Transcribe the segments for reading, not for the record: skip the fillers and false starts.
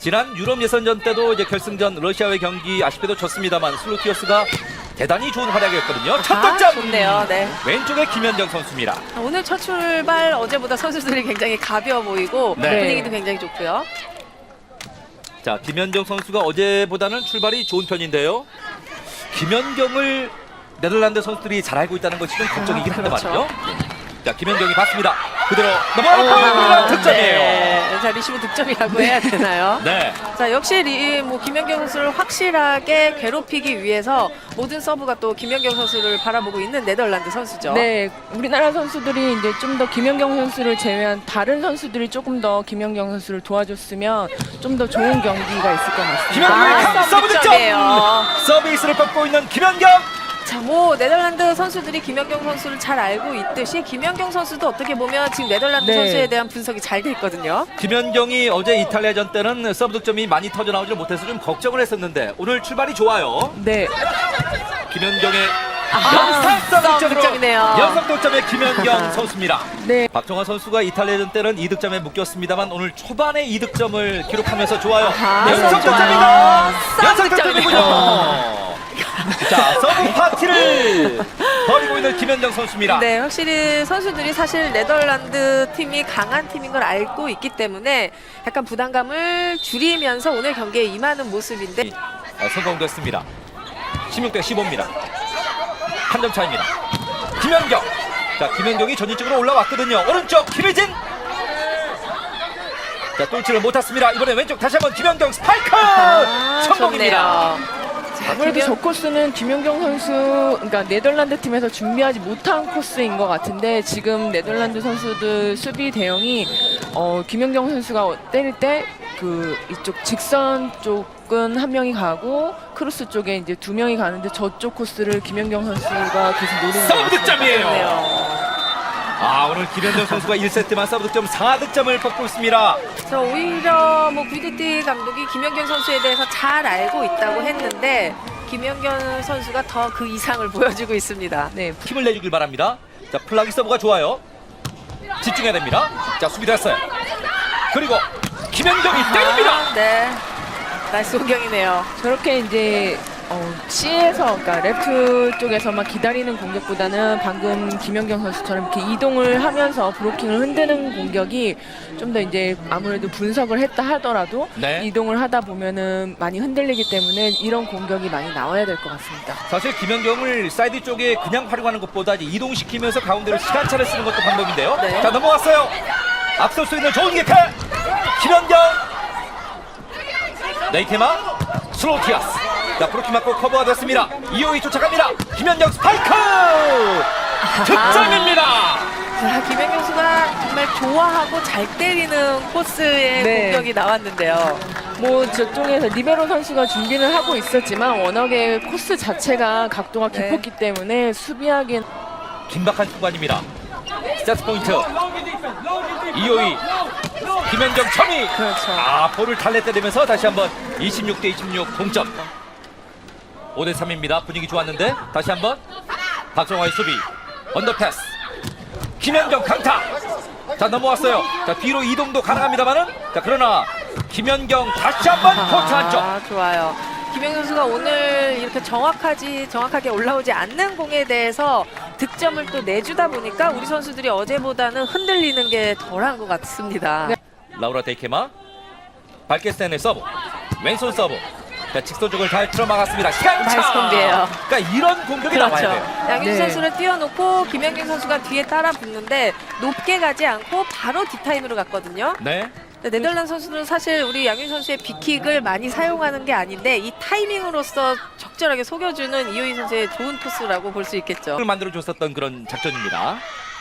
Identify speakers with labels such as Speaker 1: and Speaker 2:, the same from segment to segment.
Speaker 1: 지난 유럽 예선전 때도 이제 결승전 러시아와의 경기 아쉽게도 졌습니다만 슬로티어스가 대단히 좋은 활약이었거든요. 첫 득점!
Speaker 2: 좋네요. 네.
Speaker 1: 왼쪽에 김연경 선수입니다.
Speaker 2: 오늘 첫 출발 어제보다 선수들이 굉장히 가벼워 보이고
Speaker 1: 네.
Speaker 2: 분위기도 굉장히 좋고요.
Speaker 1: 자, 김연경 선수가 어제보다는 출발이 좋은 편인데요. 김연경을 네덜란드 선수들이 잘 알고 있다는 것이 좀 걱정이긴 한데
Speaker 2: 그렇죠.
Speaker 1: 말이죠. 자, 김연경이 받습니다. 그대로 넘어가는 득점이에요.
Speaker 2: 네. 자, 리시브 득점이라고 해야 되나요?
Speaker 1: 네.
Speaker 2: 자, 역시 김연경 선수를 확실하게 괴롭히기 위해서 모든 서브가 또 김연경 선수를 바라보고 있는 네덜란드 선수죠.
Speaker 3: 네, 우리나라 선수들이 이제 좀 더 김연경 선수를 제외한 다른 선수들이 조금 더 김연경 선수를 도와줬으면 좀 더 좋은 경기가 있을 것 같습니다.
Speaker 1: 김연경의 서브 득점!
Speaker 2: 득점이에요.
Speaker 1: 서비스를 뻗고 있는 김연경!
Speaker 2: 자, 뭐 네덜란드 선수들이 김연경 선수를 잘 알고 있듯이 김연경 선수도 어떻게 보면 지금 네덜란드
Speaker 3: 네.
Speaker 2: 선수에 대한 분석이 잘 돼 있거든요.
Speaker 1: 김연경이 어제 이탈리아전 때는 서브 득점이 많이 터져 나오지 못해서 좀 걱정을 했었는데 오늘 출발이 좋아요.
Speaker 3: 네,
Speaker 1: 김연경의
Speaker 2: 서브
Speaker 1: 득점으로
Speaker 2: 득점이네요.
Speaker 1: 연속 득점의 김연경 선수입니다.
Speaker 3: 네.
Speaker 1: 박정환 선수가 이탈리아전 때는 2득점에 묶였습니다만 오늘 초반에 2득점을 기록하면서 좋아요. 연속
Speaker 2: 서브
Speaker 1: 득점입니다.
Speaker 2: 좋아요.
Speaker 1: 연속
Speaker 2: 서브
Speaker 1: 득점이군요. 자, 서브 파티를 벌이고 있는 김연경 선수입니다.
Speaker 2: 네, 확실히 선수들이 사실 네덜란드 팀이 강한 팀인 걸 알고 있기 때문에 약간 부담감을 줄이면서 오늘 경기에 임하는 모습인데
Speaker 1: 성공됐습니다. 16대 15입니다. 한 점 차입니다. 김연경. 자, 김연경이 전진적으로 올라왔거든요. 오른쪽 김혜진. 자, 뚫지를 못했습니다. 이번에 왼쪽 다시 한번 김연경 스파이크 성공입니다.
Speaker 2: 좋네요. 자,
Speaker 3: 아무래도 저 코스는 김연경 선수, 그러니까 네덜란드 팀에서 준비하지 못한 코스인 것 같은데 지금 네덜란드 선수들 수비 대응이 김연경 선수가 때릴 때 그 이쪽 직선 쪽은 한 명이 가고 크로스 쪽에 이제 두 명이 가는데 저쪽 코스를 김연경 선수가 계속 노리는 것
Speaker 1: 서브
Speaker 3: 같습니다.
Speaker 1: 득점이에요.
Speaker 2: 좋네요.
Speaker 1: 아, 오늘 김연경 선수가 1세트만 서브 득점 4득점을 뽑고 있습니다.
Speaker 2: 저 오히려 뭐 VDT 감독이 김연경 선수에 대해서 잘 알고 있다고 했는데 김연경 선수가 더 그 이상을 보여주고 있습니다.
Speaker 3: 네,
Speaker 1: 힘을 내주길 바랍니다. 자, 플라기 서브가 좋아요. 집중해야 됩니다. 자, 수비 됐어요. 그리고 김연경이 때립니다.
Speaker 2: 네, 나이스 공격이네요.
Speaker 3: 저렇게 이제 C에서, 그러니까 레프트 쪽에서만 기다리는 공격보다는 방금 김연경 선수처럼 이렇게 이동을 하면서 브로킹을 흔드는 공격이 좀 더 이제 아무래도 분석을 했다 하더라도
Speaker 1: 네.
Speaker 3: 이동을 하다 보면은 많이 흔들리기 때문에 이런 공격이 많이 나와야 될 것 같습니다.
Speaker 1: 사실 김연경을 사이드 쪽에 그냥 활용하는 것보다 이제 이동시키면서 가운데로 시간차를 쓰는 것도 방법인데요.
Speaker 2: 네.
Speaker 1: 자, 넘어왔어요. 앞설 수 있는 좋은 기회. 김연경. 네이테마 슬로티아스. 자, 브로킹 맞고 커버가 됐습니다. 이호이 쫓아갑니다. 김연경 스파이크. 득점입니다.
Speaker 2: 자, 김연경 선수가 정말 좋아하고 잘 때리는 코스의
Speaker 3: 네.
Speaker 2: 공격이 나왔는데요.
Speaker 3: 뭐 저쪽에서 리베로 선수가 준비를 하고 있었지만 워낙에 코스 자체가 각도가
Speaker 2: 네.
Speaker 3: 깊었기 때문에 수비하기엔
Speaker 1: 긴박한 순간입니다. 세트 포인트. 이호이. 김연경 첨이.
Speaker 3: 그렇죠.
Speaker 1: 아, 볼을 달래 때리면서 다시 한번 26대 26 동점. 5대 3입니다. 분위기 좋았는데 다시 한번 박정화의 수비. 언더패스. 김연경 강타. 자, 넘어왔어요. 자, 뒤로 이동도 가능합니다만은 자, 그러나 김연경 다시 한번 코트 안쪽.
Speaker 2: 아, 좋아요. 김연경 선수가 오늘 이렇게 정확하게 올라오지 않는 공에 대해서 득점을 또 내주다 보니까 우리 선수들이 어제보다는 흔들리는 게 덜한 것 같습니다.
Speaker 3: 네.
Speaker 1: 라우라 데이케마. 밝게 스탠의 서브. 왼손 서브. 자, 직선 쪽을 잘 틀어막았습니다. 시간차.
Speaker 2: 나이스 공개예요.
Speaker 1: 그러니까 이런 공격이
Speaker 2: 그렇죠.
Speaker 1: 나와야 돼요.
Speaker 2: 양윤
Speaker 3: 네.
Speaker 2: 선수를 띄워놓고 김연경 선수가 뒤에 따라 붙는데 높게 가지 않고 바로 뒷타임으로 갔거든요.
Speaker 1: 네.
Speaker 2: 네덜란드 선수들은 사실 우리 양윤 선수의 빅킥을 많이 사용하는 게 아닌데 이 타이밍으로서 적절하게 속여주는 이호희 선수의 좋은 코스라고 볼 수 있겠죠.
Speaker 1: 을 만들어줬었던 그런 작전입니다.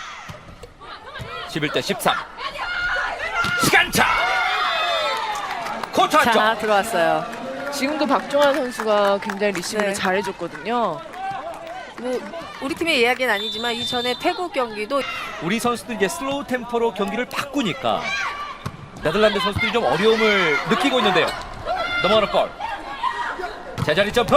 Speaker 1: 11대 13. 시간차. 코트 안쪽.
Speaker 2: 자, 들어왔어요.
Speaker 3: 지금도 박종환 선수가 굉장히 리시브를
Speaker 2: 네.
Speaker 3: 잘해줬거든요.
Speaker 2: 뭐 우리 팀의 이야기는 아니지만 이전에 태국 경기도
Speaker 1: 우리 선수들 이제 슬로우 템포로 경기를 바꾸니까 네덜란드 선수들이 좀 어려움을 느끼고 있는데요. 넘어가는 볼. 제자리 점프.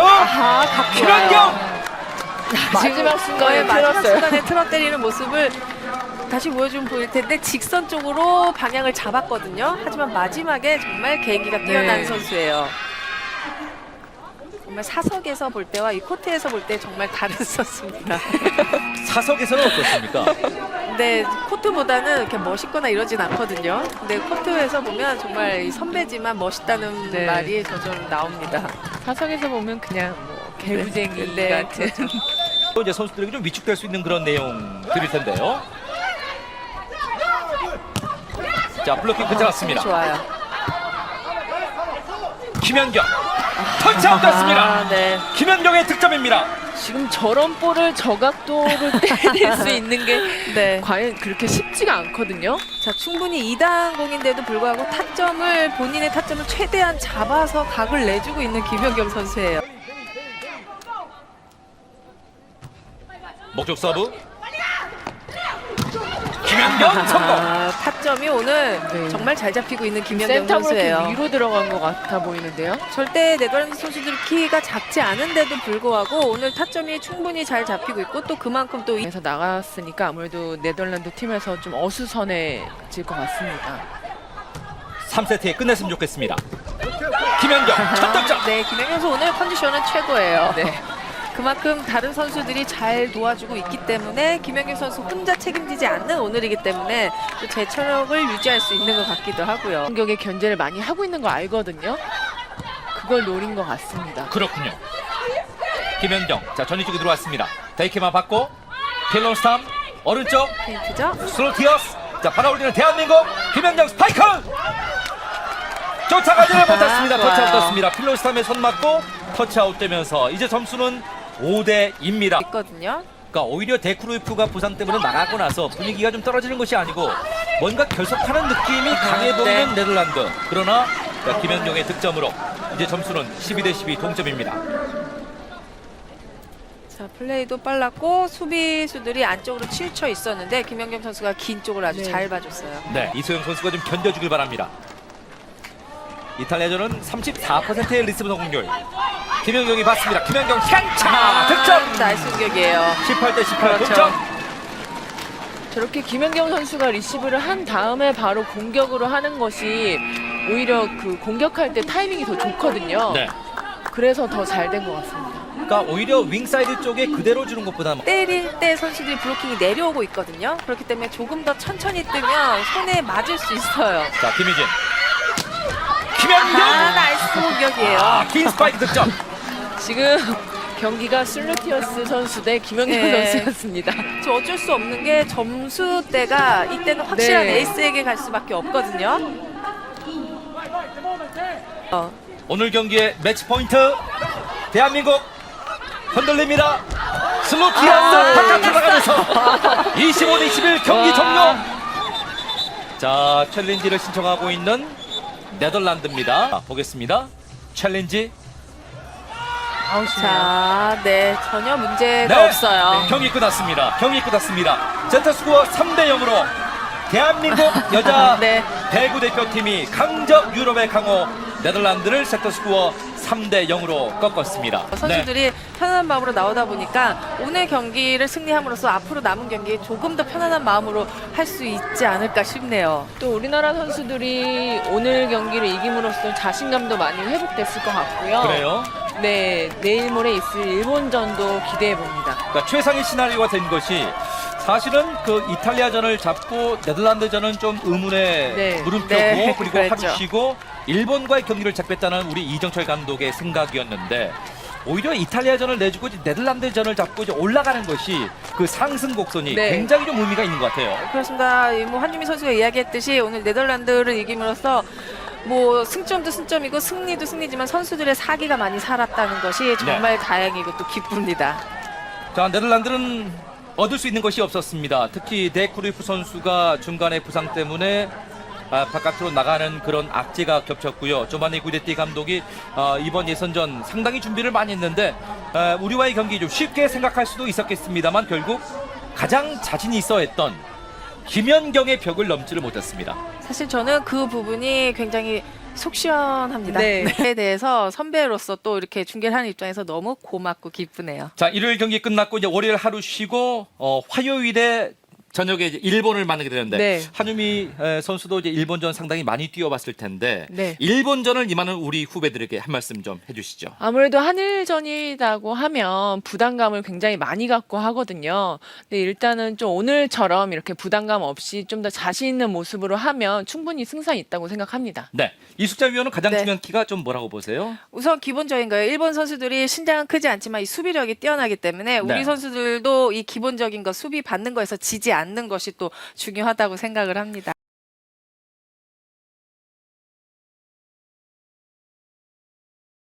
Speaker 1: 김연경.
Speaker 3: 마지막 순간에
Speaker 2: 마지막
Speaker 3: 틀었어요.
Speaker 2: 순간에 틀어 때리는 모습을 다시 보여주면 보일 텐데 직선 쪽으로 방향을 잡았거든요. 하지만 마지막에 정말 개인기가 뛰어난
Speaker 3: 네.
Speaker 2: 선수예요. 정말 사석에서 볼 때와 이 코트에서 볼 때 정말 다른 선수입니다.
Speaker 1: 사석에서는 어떻습니까?
Speaker 2: 근데 코트보다는 이렇게 멋있거나 이러진 않거든요. 근데 코트에서 보면 정말 이 선배지만 멋있다는
Speaker 3: 네.
Speaker 2: 말이 저절로 나옵니다.
Speaker 3: 사석에서 보면 그냥 뭐 개구쟁이
Speaker 2: 네,
Speaker 3: 같은.
Speaker 1: 또 이제 선수들에게 좀 위축될 수 있는 그런 내용들일 텐데요. 자, 블로킹 괜찮았습니다.
Speaker 2: 좋아요.
Speaker 1: 김연경 터치아웃 됐습니다.
Speaker 2: 아, 네.
Speaker 1: 김연경의 득점입니다.
Speaker 3: 지금 저런 볼을 저각도를 때릴 수 있는 게
Speaker 2: 네.
Speaker 3: 과연 그렇게 쉽지가 않거든요.
Speaker 2: 자, 충분히 2단 공인데도 불구하고 본인의 타점을 최대한 잡아서 각을 내주고 있는 김연경 선수예요.
Speaker 1: 목적 서브. 김연경 성공.
Speaker 2: 아, 타점이 오늘
Speaker 3: 네.
Speaker 2: 정말 잘 잡히고 있는 김연경
Speaker 3: 센터로 이렇게
Speaker 2: 선수예요.
Speaker 3: 위로 들어간 것 같아 보이는데요.
Speaker 2: 절대 네덜란드 선수들 키가 작지 않은데도 불구하고 오늘 타점이 충분히 잘 잡히고 있고 또 그만큼 또
Speaker 3: 그래서 나갔으니까 아무래도 네덜란드 팀에서 좀 어수선해질 것 같습니다.
Speaker 1: 3세트에 끝냈으면 좋겠습니다. 김연경 첫 득점.
Speaker 2: 네, 김연경 선수 오늘 컨디션은 최고예요.
Speaker 3: 네.
Speaker 2: 그만큼 다른 선수들이 잘 도와주고 있기 때문에 김연경 선수 혼자 책임지지 않는 오늘이기 때문에 또 제철력을 유지할 수 있는 것 같기도 하고요.
Speaker 3: 공격에 견제를 많이 하고 있는 거 알거든요. 그걸 노린 것 같습니다.
Speaker 1: 그렇군요. 김연경 자 전위 쪽에 들어왔습니다. 데이케만 받고 필론스탐 오른쪽
Speaker 2: 페인트죠?
Speaker 1: 슬로티어스 자 받아올리는 대한민국 김연경 스파이크 쫓아가지를 못했습니다.
Speaker 2: 좋아요.
Speaker 1: 터치아웃 떴습니다. 필론스탐에 손 맞고 터치아웃 되면서 이제 점수는 5대2입니다.
Speaker 2: 있거든요.
Speaker 1: 그러니까 오히려 데크루이프가 부상 때문에 나가고 나서 분위기가 좀 떨어지는 것이 아니고 뭔가 결속하는 느낌이 강해 보이는 네덜란드. 그러나 김연경의 득점으로 이제 점수는 12대12 동점입니다.
Speaker 2: 자, 플레이도 빨랐고 수비수들이 안쪽으로 치우쳐 있었는데 김연경 선수가 긴 쪽을 아주
Speaker 3: 네.
Speaker 2: 잘 봐줬어요.
Speaker 1: 네, 이소영 선수가 좀 견뎌주길 바랍니다. 이탈리아전은 34%의 리시브 성공률. 김연경이 받습니다. 김연경 향차 득점.
Speaker 2: 나이스 공격이에요.
Speaker 1: 18대18
Speaker 2: 그렇죠.
Speaker 1: 동점.
Speaker 3: 저렇게 김연경 선수가 리시브를 한 다음에 바로 공격으로 하는 것이 오히려 그 공격할 때 타이밍이 더 좋거든요.
Speaker 1: 네.
Speaker 3: 그래서 더 잘 된 것 같습니다.
Speaker 1: 그러니까 오히려 윙사이드 쪽에 그대로 주는 것보다
Speaker 2: 때릴 때 선수들이 블로킹이 내려오고 있거든요. 그렇기 때문에 조금 더 천천히 뜨면 손에 맞을 수 있어요.
Speaker 1: 자, 김희진. 김연경.
Speaker 2: 나이스 공격이에요.
Speaker 1: 긴 스파이크 득점.
Speaker 3: 지금 경기가 슬루티어스 선수 대 김연경
Speaker 2: 네.
Speaker 3: 선수였습니다.
Speaker 2: 저 어쩔 수 없는 게 점수대가 이때는 확실한
Speaker 3: 네.
Speaker 2: 에이스에게 갈 수밖에 없거든요.
Speaker 1: 오늘 경기의 매치 포인트 대한민국 흔들립니다. 슬로티아스 바깥으로 나가면서 25대21 경기 종료. 자, 챌린지를 신청하고 있는 네덜란드입니다. 자, 보겠습니다. 챌린지.
Speaker 2: 자, 네, 전혀 문제가
Speaker 1: 네.
Speaker 2: 없어요.
Speaker 1: 경기 끝났습니다. 경기 끝났습니다. 세트스코어 3대0으로 대한민국 여자
Speaker 2: 네.
Speaker 1: 배구 대표팀이 강적 유럽의 강호 네덜란드를 세트스코어 3대0으로 꺾었습니다.
Speaker 2: 선수들이 편안한 마음으로 나오다 보니까 오늘 경기를 승리함으로써 앞으로 남은 경기 조금 더 편안한 마음으로 할 수 있지 않을까 싶네요.
Speaker 3: 또 우리나라 선수들이 오늘 경기를 이김으로써 자신감도 많이 회복됐을 것 같고요.
Speaker 1: 그래요?
Speaker 3: 네, 내일 모레 있을 일본전도 기대해 봅니다.
Speaker 1: 그러니까 최상의 시나리오가 된 것이 사실은 그 이탈리아전을 잡고 네덜란드전은 좀 의문에
Speaker 3: 네.
Speaker 1: 물음표고
Speaker 2: 네,
Speaker 1: 그리고
Speaker 2: 그랬죠.
Speaker 1: 하루 쉬고 일본과의 경기를 잡겠다는 우리 이정철 감독의 생각이었는데 오히려 이탈리아전을 내주고 이제 네덜란드전을 잡고 이제 올라가는 것이 그 상승 곡선이
Speaker 3: 네.
Speaker 1: 굉장히 좀 의미가 있는 것 같아요.
Speaker 2: 그렇습니다. 뭐 한유미 선수가 이야기했듯이 오늘 네덜란드를 이김으로써 뭐 승점도 승점이고 승리도 승리지만 선수들의 사기가 많이 살았다는 것이 정말 다행이고 또 기쁩니다.
Speaker 1: 자, 네덜란드는 얻을 수 있는 것이 없었습니다. 특히 데크루이프 선수가 중간에 부상 때문에 바깥으로 나가는 그런 악재가 겹쳤고요. 조바니 구데티 감독이 이번 예선전 상당히 준비를 많이 했는데 우리와의 경기 좀 쉽게 생각할 수도 있었겠습니다만 결국 가장 자신이 있어 했던 김연경의 벽을 넘지를 못했습니다.
Speaker 2: 사실 저는 그 부분이 굉장히 속 시원합니다.
Speaker 3: 네.
Speaker 2: 에 대해서 선배로서 또 이렇게 중계를 하는 입장에서 너무 고맙고 기쁘네요.
Speaker 1: 자, 일요일 경기 끝났고 이제 월요일 하루 쉬고 화요일에 저녁에 이제 일본을 만나게 되는데
Speaker 2: 네.
Speaker 1: 한유미 선수도 이제 일본전 상당히 많이 뛰어봤을 텐데
Speaker 2: 네.
Speaker 1: 일본전을 임하는 우리 후배들에게 한 말씀 좀 해주시죠.
Speaker 3: 아무래도 한일전이라고 하면 부담감을 굉장히 많이 갖고 하거든요. 근데 일단은 좀 오늘처럼 이렇게 부담감 없이 좀 더 자신 있는 모습으로 하면 충분히 승산이 있다고 생각합니다.
Speaker 1: 네, 이숙자 위원은 가장
Speaker 2: 네.
Speaker 1: 중요한 키가 좀 뭐라고 보세요?
Speaker 2: 우선 기본적인 거예요. 일본 선수들이 신장은 크지 않지만 이 수비력이 뛰어나기 때문에 우리
Speaker 1: 네.
Speaker 2: 선수들도 이 기본적인 거 수비 받는 거에서 지지 않는 것이 또 중요하다고 생각을 합니다.